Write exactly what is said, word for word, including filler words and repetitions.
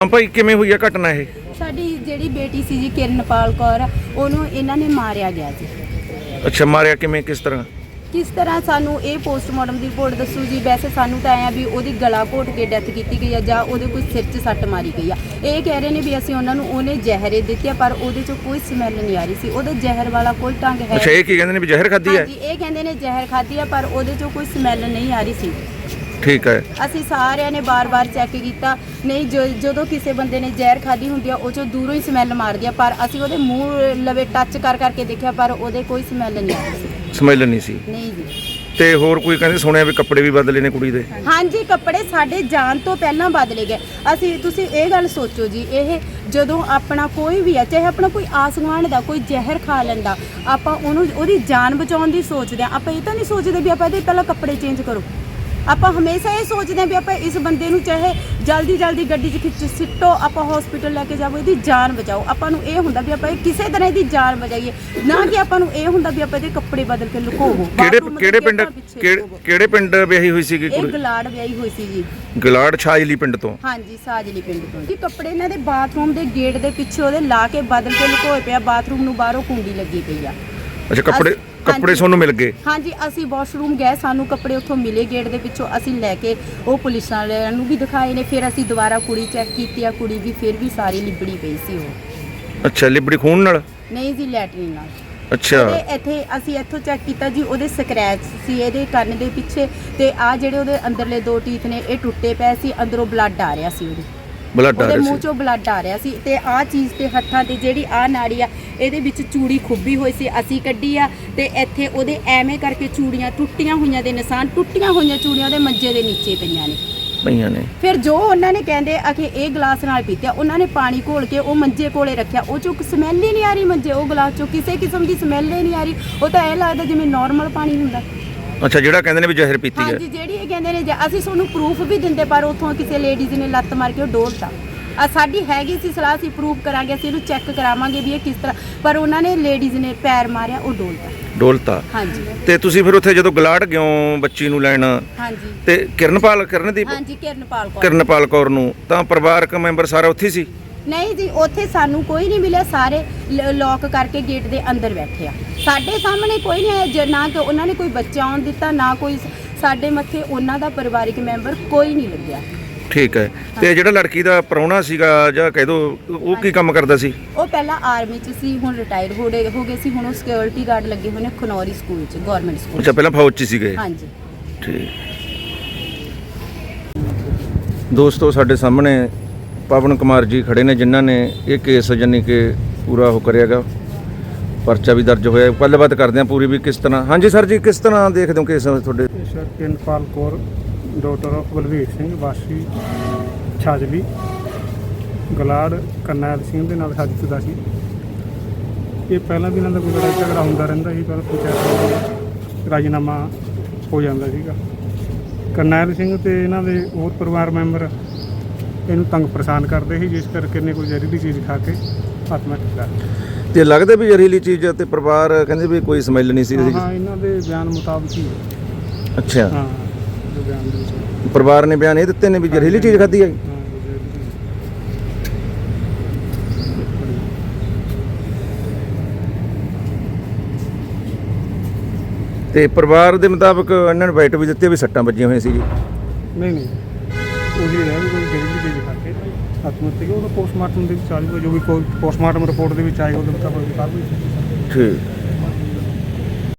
ਭਾਈ ਕਿਵੇਂ ਹੋਈ ਆ ਘਟਨਾ ਇਹ? ਸਾਡੀ ਜਿਹੜੀ ਬੇਟੀ ਸੀ ਜੀ ਕਿਰਨਪਾਲ ਕੌਰ, ਉਹਨੂੰ ਇਹਨਾਂ ਨੇ ਮਾਰਿਆ ਗਿਆ ਜੀ। ਅੱਛਾ, ਮਾਰਿਆ ਕਿਵੇਂ, ਕਿਸ ਤਰ੍ਹਾਂ? ਕਿਸ ਤਰ੍ਹਾਂ ਸਾਨੂੰ ਇਹ ਪੋਸਟਮਾਰਟਮ ਦੀ ਰਿਪੋਰਟ ਦੱਸੂ ਜੀ। ਵੈਸੇ ਸਾਨੂੰ ਤਾਂ ਆਇਆ ਵੀ ਉਹਦੀ ਗਲਾ ਘੋਟ ਕੇ ਡੈਥ ਕੀਤੀ ਗਈ ਆ ਜਾਂ ਉਹਦੇ ਕੋਈ ਸਿਰ 'ਚ ਸੱਟ ਮਾਰੀ ਗਈ ਆ। ਇਹ ਕਹਿ ਰਹੇ ਨੇ ਵੀ ਅਸੀਂ ਉਹਨਾਂ ਨੂੰ ਉਹਨੇ ਜ਼ਹਿਰੇ ਦਿੱਤੀ ਆ, ਪਰ ਉਹਦੇ 'ਚੋਂ ਕੋਈ ਸਮੈਲ ਨਹੀਂ ਆ ਰਹੀ ਸੀ। ਉਹਦੇ ਜ਼ਹਿਰ ਵਾਲਾ ਕੋਈ ਢੰਗ ਹੈ। ਅੱਛਾ, ਇਹ ਕੀ ਕਹਿੰਦੇ ਨੇ ਵੀ ਜ਼ਹਿਰ ਖਾਧੀ ਹੈ? ਹਾਂਜੀ, ਇਹ ਕਹਿੰਦੇ ਨੇ ਜ਼ਹਿਰ ਖਾਧੀ ਆ, ਪਰ ਉਹਦੇ 'ਚੋਂ ਕੋਈ ਸਮੈਲ ਨਹੀਂ ਆ ਰਹੀ ਸੀ। ਠੀਕ ਹੈ। ਅਸੀਂ ਸਾਰਿਆਂ ਨੇ ਬਾਰ-ਬਾਰ ਚੈੱਕ ਕੀਤਾ, ਨਹੀਂ ਜੋ ਜਦੋਂ ਕਿਸੇ ਬੰਦੇ ਨੇ ਜ਼ਹਿਰ ਖਾਧੀ ਹੁੰਦੀ ਆ ਉਹ 'ਚੋਂ ਦੂਰੋਂ ਹੀ ਸਮੈਲ ਮਾਰਦੀ ਆ, ਪਰ ਅਸੀਂ ਉਹਦੇ ਮੂੰਹ ਲਵੇ ਟੱਚ ਕਰ ਕਰਕੇ ਦੇਖਿਆ, ਪਰ ਉਹਦੇ ਕੋਈ ਸਮੈਲ ਨਹੀਂ ਆ ਰਹੀ ਸੀ। ਸਮੈਲ ਨਹੀਂ ਸੀ? ਨਹੀਂ ਜੀ। ਤੇ ਹੋਰ ਕੋਈ ਕਹਿੰਦੇ ਸੁਣਿਆ ਵੀ ਕੱਪੜੇ ਵੀ ਬਦਲੇ ਨੇ ਕੁੜੀ ਦੇ? ਹਾਂਜੀ, ਕੱਪੜੇ ਸਾਡੇ ਜਾਣ ਤੋਂ ਪਹਿਲਾਂ ਬਦਲੇ ਗਏ। ਅਸੀਂ ਤੁਸੀਂ ਇਹ ਗੱਲ ਸੋਚੋ ਜੀ, ਇਹ ਜਦੋਂ ਆਪਣਾ ਕੋਈ ਵੀ ਆ, ਚਾਹੇ ਆਪਣਾ ਕੋਈ ਆਸਮਾਨ ਦਾ ਕੋਈ ਜ਼ਹਿਰ ਖਾ ਲੈਂਦਾ, ਆਪਾਂ ਉਹਨੂੰ ਉਹਦੀ ਜਾਨ ਬਚਾਉਣ ਦੀ ਸੋਚਦੇ ਆ। ਆਪਾਂ ਇਹ ਤਾਂ ਨਹੀਂ ਸੋਚਦੇ ਵੀ ਆਪਾਂ ਇਹਦੇ ਪਹਿਲਾਂ ਕੱਪੜੇ ਚੇਂਜ ਕਰੋ। ਆਪਾਂ ਹਮੇਸ਼ਾ ਇਹ ਸੋਚਦੇ ਹਾਂ ਵੀ ਆਪਾਂ ਇਸ ਬੰਦੇ ਨੂੰ ਚਾਹੇ ਜਲਦੀ ਜਲਦੀ ਗੱਡੀ 'ਚ ਖਿੱਚ ਸਿੱਟੋ, ਆਪਾਂ ਹਸਪੀਟਲ ਲੈ ਕੇ ਜਾਵੋ, ਇਹਦੀ ਜਾਨ ਬਚਾਓ। ਆਪਾਂ ਨੂੰ ਇਹ ਹੁੰਦਾ ਵੀ ਆਪਾਂ ਇਹ ਕਿਸੇ ਤਰ੍ਹਾਂ ਇਹਦੀ ਜਾਨ ਬਚਾਈਏ, ਨਾ ਕਿ ਆਪਾਂ ਨੂੰ ਇਹ ਹੁੰਦਾ ਵੀ ਆਪਾਂ ਇਹਦੇ ਕੱਪੜੇ ਬਦਲ ਕੇ ਲੁਕੋਵੋ। ਕਿਹੜੇ ਕਿਹੜੇ ਪਿੰਡ ਕਿਹੜੇ ਪਿੰਡ ਵਿਆਹੀ ਹੋਈ ਸੀਗੀ ਇਹ ਕੁੜੀ? ਗਲਾੜ ਵਿਆਹੀ ਹੋਈ ਸੀ ਜੀ। ਗਲਾੜ ਛਾਜਲੀ ਪਿੰਡ ਤੋਂ? ਹਾਂਜੀ, ਸਾਜਲੀ ਪਿੰਡ ਤੋਂ ਜੀ। ਕੱਪੜੇ ਇਹਨਾਂ ਦੇ ਬਾਥਰੂਮ ਦੇ ਗੇਟ ਦੇ ਪਿੱਛੇ ਉਹਦੇ ਲਾ ਕੇ ਬਦਲ ਕੇ ਲੁਕੋਏ ਪਿਆ। ਬਾਥਰੂਮ ਨੂੰ ਬਾਹਰੋਂ ਕੁੰਡੀ ਲੱਗੀ ਪਈ ਆ। ਅੱਛਾ, ਕੱਪੜੇ ਕੱਪੜੇ ਤੁਹਾਨੂੰ ਮਿਲ ਗਏ? ਹਾਂਜੀ, ਅਸੀਂ ਵਾਸ਼ਰੂਮ ਗਏ, ਸਾਨੂੰ ਕੱਪੜੇ ਉੱਥੋਂ ਮਿਲੇ ਗੇਟ ਦੇ ਪਿੱਛੋਂ। ਅਸੀਂ ਲੈ ਕੇ ਉਹ ਪੁਲਿਸ ਵਾਲਿਆਂ ਨੂੰ ਵੀ ਦਿਖਾਏ ਨੇ। ਫਿਰ ਅਸੀਂ ਦੁਬਾਰਾ ਕੁੜੀ ਚੈੱਕ ਕੀਤੀ ਆ, ਕੁੜੀ ਵੀ ਫਿਰ ਵੀ ਸਾਰੀ ਲਿਬੜੀ ਪਈ ਸੀ ਉਹ। ਅੱਛਾ, ਲਿਬੜੀ ਖੂਨ ਨਾਲ? ਨਹੀਂ ਜੀ, ਲੈਟਰਿਨ ਨਾਲ। ਅੱਛਾ। ਤੇ ਇੱਥੇ ਅਸੀਂ ਇੱਥੋਂ ਚੈੱਕ ਕੀਤਾ ਜੀ, ਉਹਦੇ ਸਕ੍ਰੈਚ ਸੀ ਇਹਦੇ ਕੰਨ ਦੇ ਪਿੱਛੇ, ਤੇ ਆ ਜਿਹੜੇ ਉਹਦੇ ਅੰਦਰਲੇ ਦੋ ਟੀਥ ਨੇ ਇਹ ਟੁੱਟੇ ਪਏ ਸੀ, ਅੰਦਰੋਂ ਬਲੱਡ ਆ ਰਿਹਾ ਸੀ ਉਹਦੇ ਬਲੱਡ ਆ ਰਿਹਾ ਸੀ, ਉਹਦੇ ਮੂੰਹ ਚੋਂ ਬਲੱਡ ਆ ਰਿਹਾ ਸੀ। ਤੇ ਆਹ ਚੀਜ਼ ਤੇ ਹੱਥਾਂ ਤੇ ਜਿਹੜੀ ਆਹ ਨਾੜੀ ਆ, ਇਹਦੇ ਵਿੱਚ ਚੂੜੀ ਖੁੱਬੀ ਹੋਈ ਸੀ, ਅਸੀਂ ਕੱਢੀ ਆ। ਤੇ ਇੱਥੇ ਉਹਦੇ ਐਵੇਂ ਕਰਕੇ ਚੂੜੀਆਂ ਟੁੱਟੀਆਂ ਹੋਈਆਂ ਦੇ ਨਿਸ਼ਾਨ, ਟੁੱਟੀਆਂ ਹੋਈਆਂ ਚੂੜੀਆਂ ਉਹਦੇ ਮੰਜੇ ਦੇ ਨੀਚੇ ਪਈਆਂ ਨੇ ਪਈਆਂ ਨੇ। ਫਿਰ ਜੋ ਉਹਨਾਂ ਨੇ ਕਹਿੰਦੇ ਆ ਕਿ ਇਹ ਗਲਾਸ ਨਾਲ ਪੀਤਿਆ, ਉਹਨਾਂ ਨੇ ਪਾਣੀ ਘੋਲ ਕੇ ਉਹ ਮੰਜੇ ਕੋਲੇ ਰੱਖਿਆ, ਉਹ ਚੋਂ ਸਮੈਲ ਹੀ ਨਹੀਂ ਆ ਰਹੀ ਮੰਜੇ ਉਹ ਗਲਾਸ ਚੋਂ, ਕਿਸੇ ਕਿਸਮ ਦੀ ਸਮੈਲ ਹੀ ਨਹੀਂ ਆ ਰਹੀ। ਉਹ ਤਾਂ ਇਹ ਲੱਗਦਾ ਜਿਵੇਂ ਨਾਰਮਲ ਪਾਣੀ ਹੁੰਦਾ। ਅੱਛਾ, ਜਿਹੜਾ ਕਹਿੰਦੇ ਨੇ ਵੀ ਜ਼ਹਿਰ ਪੀਤੀ ਹੈ? ਹਾਂਜੀ, ਜਿਹੜੀ ਇਹ ਕਹਿੰਦੇ ਨੇ, ਅਸੀਂ ਤੁਹਾਨੂੰ ਪ੍ਰੂਫ ਵੀ ਦਿੰਦੇ, ਪਰ ਉੱਥੋਂ ਕਿਸੇ ਲੇਡੀਜ਼ ਨੇ ਲੱਤ ਮਾਰ ਕੇ ਉਹ ਡੋਲਤਾ। ਆ ਸਾਡੀ ਹੈਗੀ ਸੀ ਸਲਾਹ, ਅਸੀਂ ਪ੍ਰੂਫ ਕਰਾਂਗੇ, ਅਸੀਂ ਇਹਨੂੰ ਚੈੱਕ ਕਰਾਵਾਂਗੇ ਵੀ ਇਹ ਕਿਸ ਤਰ੍ਹਾਂ, ਪਰ ਉਹਨਾਂ ਨੇ ਲੇਡੀਜ਼ ਨੇ ਪੈਰ ਮਾਰਿਆ, ਉਹ ਡੋਲਤਾ ਡੋਲਤਾ। ਹਾਂਜੀ। ਤੇ ਤੁਸੀਂ ਫਿਰ ਉੱਥੇ ਜਦੋਂ ਗਲਾੜ ਗਿਓ ਬੱਚੀ ਨੂੰ ਲੈਣ, ਹਾਂਜੀ, ਤੇ ਕਿਰਨਪਾਲ ਕਰਨਦੀਪ ਹਾਂਜੀ ਕਿਰਨਪਾਲ ਕੌਰ ਕਿਰਨਪਾਲ ਕੌਰ ਨੂੰ, ਤਾਂ ਪਰਿਵਾਰਕ ਮੈਂਬਰ ਸਾਰਾ ਉੱਥੇ ਸੀ? ਨਹੀਂ ਜੀ, ਉੱਥੇ ਸਾਨੂੰ ਕੋਈ ਨਹੀਂ ਮਿਲਿਆ। ਸਾਰੇ ਲੌਕ ਕਰਕੇ ਗੇਟ ਦੇ ਅੰਦਰ ਬੈਠੇ ਆ, ਸਾਡੇ ਸਾਹਮਣੇ ਕੋਈ ਨਹੀਂ ਆਇਆ। ਨਾ ਕਿ ਉਹਨਾਂ ਨੇ ਕੋਈ ਬੱਚਾ ਆਉਣ ਦਿੱਤਾ, ਨਾ ਕੋਈ ਸਾਡੇ ਮੱਥੇ ਉਹਨਾਂ ਦਾ ਪਰਿਵਾਰਿਕ ਮੈਂਬਰ ਕੋਈ ਨਹੀਂ ਲੱਗਿਆ। ਠੀਕ ਹੈ। ਤੇ ਜਿਹੜਾ ਲੜਕੀ ਦਾ ਪ੍ਰਾਹੁਣਾ ਸੀਗਾ, ਜਾਂ ਕਹਿ ਦੋ, ਉਹ ਕੀ ਕੰਮ ਕਰਦਾ ਸੀ? ਉਹ ਪਹਿਲਾਂ ਆਰਮੀ 'ਚ ਸੀ, ਹੁਣ ਰਿਟਾਇਰ ਹੋ ਗਏ ਹੋ ਗਏ ਸੀ। ਹੁਣ ਉਹ ਸਿਕਿਉਰਿਟੀ ਗਾਰਡ ਲੱਗੇ ਹੋਏ ਨੇ ਖਨੌਰੀ ਸਕੂਲ 'ਚ, ਗਵਰਨਮੈਂਟ ਸਕੂਲ। ਅੱਛਾ, ਪਹਿਲਾਂ ਫੌਜ 'ਚ ਸੀਗੇ? ਹਾਂਜੀ। ਠੀਕ। ਦੋਸਤੋ, ਸਾਡੇ ਸਾਹਮਣੇ ਪਵਨ ਕੁਮਾਰ ਜੀ ਖੜੇ ਨੇ, ਜਿਨ੍ਹਾਂ ਨੇ ਇਹ ਕੇਸ ਜਾਨੀ ਕਿ ਪੂਰਾ ਉਹ ਕਰਿਆਗਾ, ਪਰਚਾ ਵੀ ਦਰਜ ਹੋਇਆ। ਗੱਲਬਾਤ ਕਰਦੇ ਹਾਂ ਪੂਰੀ ਵੀ ਕਿਸ ਤਰ੍ਹਾਂ। ਹਾਂਜੀ ਸਰ ਜੀ, ਕਿਸ ਤਰ੍ਹਾਂ ਦੇਖਦੇ ਹੋ ਕੇਸ ਤੁਹਾਡੇ? Sir, Kiranpal Kaur doctor of Balvir Singh, ਵਾਸੀ ਛਾਜਲੀ, ਗਲਾੜ, ਕਰਨੈਲ ਸਿੰਘ ਦੇ ਨਾਲ ਸਾਜ਼ਿਸ਼ ਦਾ ਸੀ। ਇਹ ਪਹਿਲਾਂ ਵੀ ਇਹਨਾਂ ਦਾ ਕੋਈ ਲੜਾਈ ਝਗੜਾ ਹੁੰਦਾ ਰਹਿੰਦਾ ਸੀ, ਪਰ ਪੰਚਾਇਤ ਰਾਜੀਨਾਮਾ ਹੋ ਜਾਂਦਾ ਸੀਗਾ। ਕਰਨੈਲ ਸਿੰਘ ਤੇ ਇਹਨਾਂ ਦੇ ਹੋਰ ਪਰਿਵਾਰ ਮੈਂਬਰ ਇਹਨੂੰ ਤੰਗ ਪਰੇਸ਼ਾਨ ਕਰਦੇ ਸੀ, ਜਿਸ ਕਰਕੇ ਇਹਨੇ ਕੋਈ ਜ਼ਹਿਰੀਲੀ ਚੀਜ਼ ਖਾ ਕੇ ਆਤਮ ਹੱਤਿਆ ਕਰ। ਤੇ ਲੱਗਦਾ ਵੀ ਜ਼ਹਿਰੀਲੀ ਚੀਜ਼, ਤੇ ਪਰਿਵਾਰ ਕਹਿੰਦੇ ਵੀ ਕੋਈ ਸਮੈਲ ਨਹੀਂ ਸੀ? ਹਾਂ, ਇਹਨਾਂ ਦੇ ਬਿਆਨ ਮੁਤਾਬਕ ਹੀ। ਅੱਛਾ। ਹਾਂ, ਬਿਆਨ ਦੇ ਵਿੱਚ ਪਰਿਵਾਰ ਨੇ ਬਿਆਨ ਇਹ ਦਿੱਤੇ ਨੇ ਵੀ ਜ਼ਹਿਰੀਲੀ ਚੀਜ਼ ਖਾਧੀ ਹੈ? ਤੇ ਪਰਿਵਾਰ ਦੇ ਮੁਤਾਬਕ ਇਹਨਾਂ ਨੇ ਬਾਈਟ ਵੀ ਦਿੱਤੀ ਵੀ ਸੱਟਾਂ ਵੱਜੀਆਂ ਹੋਈਆਂ ਸੀ ਜੀ? ਨਹੀਂ ਨਹੀਂ, ਉਹੀ ਰਹਿ ਵੀ ਕੋਈ ਜ਼ਹਿਰੀਲੀ ਚੀਜ਼ ਖਾ ਕੇ ਆਤਮ ਹੱਤਿਆ। ਉਹਦਾ ਪੋਸਟਮਾਰਟਮ ਦੇ ਵਿੱਚ ਆ ਜਾਊਗਾ, ਜੋ ਵੀ ਕੋਈ ਪੋਸਟਮਾਰਟਮ ਰਿਪੋਰਟ ਦੇ ਵਿੱਚ ਆਏਗਾ ਉਹਦੇ ਮੁਤਾਬਕ ਕਾਰਵਾਈ। ਠੀਕ।